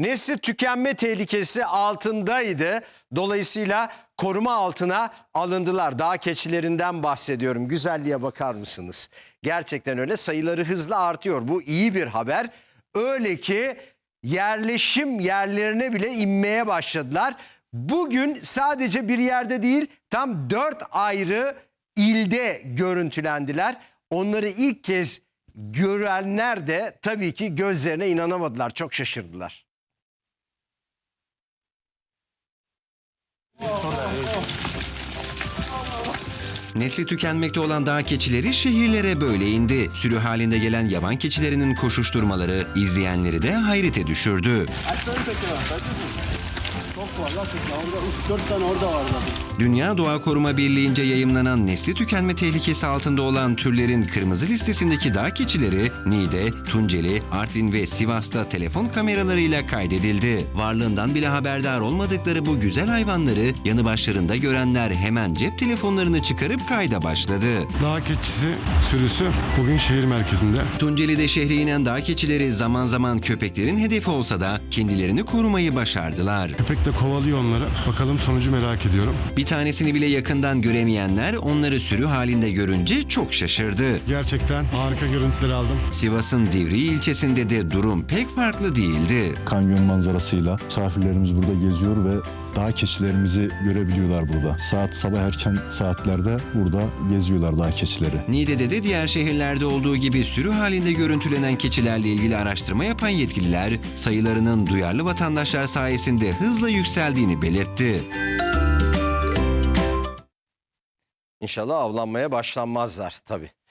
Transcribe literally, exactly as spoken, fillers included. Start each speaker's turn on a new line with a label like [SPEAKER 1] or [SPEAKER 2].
[SPEAKER 1] Nesli tükenme tehlikesi altındaydı. Dolayısıyla koruma altına alındılar. Dağ keçilerinden bahsediyorum. Güzelliğe bakar mısınız? Gerçekten öyle, sayıları hızla artıyor. Bu iyi bir haber. Öyle ki yerleşim yerlerine bile inmeye başladılar. Bugün sadece bir yerde değil, tam dört ayrı ilde görüntülendiler. Onları ilk kez görenler de tabii ki gözlerine inanamadılar. Çok şaşırdılar.
[SPEAKER 2] Nesli tükenmekte olan dağ keçileri şehirlere böyle indi. Sürü halinde gelen yaban keçilerinin koşuşturmaları izleyenleri de hayrete düşürdü.
[SPEAKER 3] Çok var lan, orada üç dört tane orada var zaten.
[SPEAKER 2] Dünya Doğa Koruma Birliği'nce yayımlanan nesli tükenme tehlikesi altında olan türlerin kırmızı listesindeki dağ keçileri Niğde, Tunceli, Artvin ve Sivas'ta telefon kameralarıyla kaydedildi. Varlığından bile haberdar olmadıkları bu güzel hayvanları yanı başlarında görenler hemen cep telefonlarını çıkarıp kayda başladı.
[SPEAKER 4] Dağ keçisi sürüsü bugün şehir merkezinde.
[SPEAKER 2] Tunceli'de şehre inen dağ keçileri zaman zaman köpeklerin hedefi olsa da kendilerini korumayı başardılar.
[SPEAKER 4] Köpek de kovalıyor onları. Bakalım sonucu merak ediyorum.
[SPEAKER 2] Bir tanesini bile yakından göremeyenler onları sürü halinde görünce çok şaşırdı.
[SPEAKER 4] Gerçekten harika görüntüler aldım.
[SPEAKER 2] Sivas'ın Divriği ilçesinde de durum pek farklı değildi.
[SPEAKER 5] Kanyon manzarasıyla misafirlerimiz burada geziyor ve dağ keçilerimizi görebiliyorlar burada. Saat sabah erken saatlerde burada geziyorlar dağ keçileri.
[SPEAKER 2] Niğde'de de diğer şehirlerde olduğu gibi sürü halinde görüntülenen keçilerle ilgili araştırma yapan yetkililer sayılarının duyarlı vatandaşlar sayesinde hızla yükseldiğini belirtti.
[SPEAKER 1] İnşallah avlanmaya başlanmazlar tabii.